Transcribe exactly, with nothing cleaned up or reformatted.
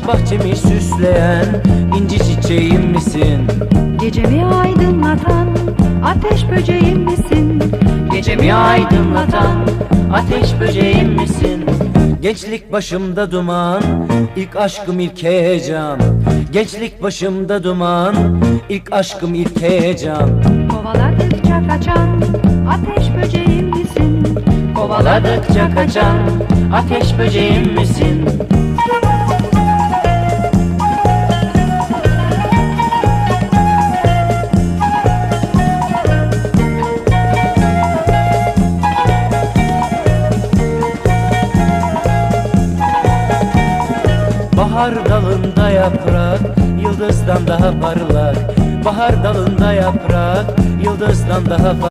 bahçemi süsleyen inci çiçeğim misin? Gecemi aydınlatan ateş böceğim misin? Gecemi aydınlatan ateş böceğim misin? Gençlik başımda duman, ilk aşkım ilk heyecan. Gençlik başımda duman, ilk aşkım ilk heyecan. Kovaladıkça kaçan ateş böceğim misin? Kovaladıkça kaçan ateş böceğim misin? Bahar dalında yaprak, yıldızdan daha parlak. Bahar dalında yaprak, yıldızdan daha parlak.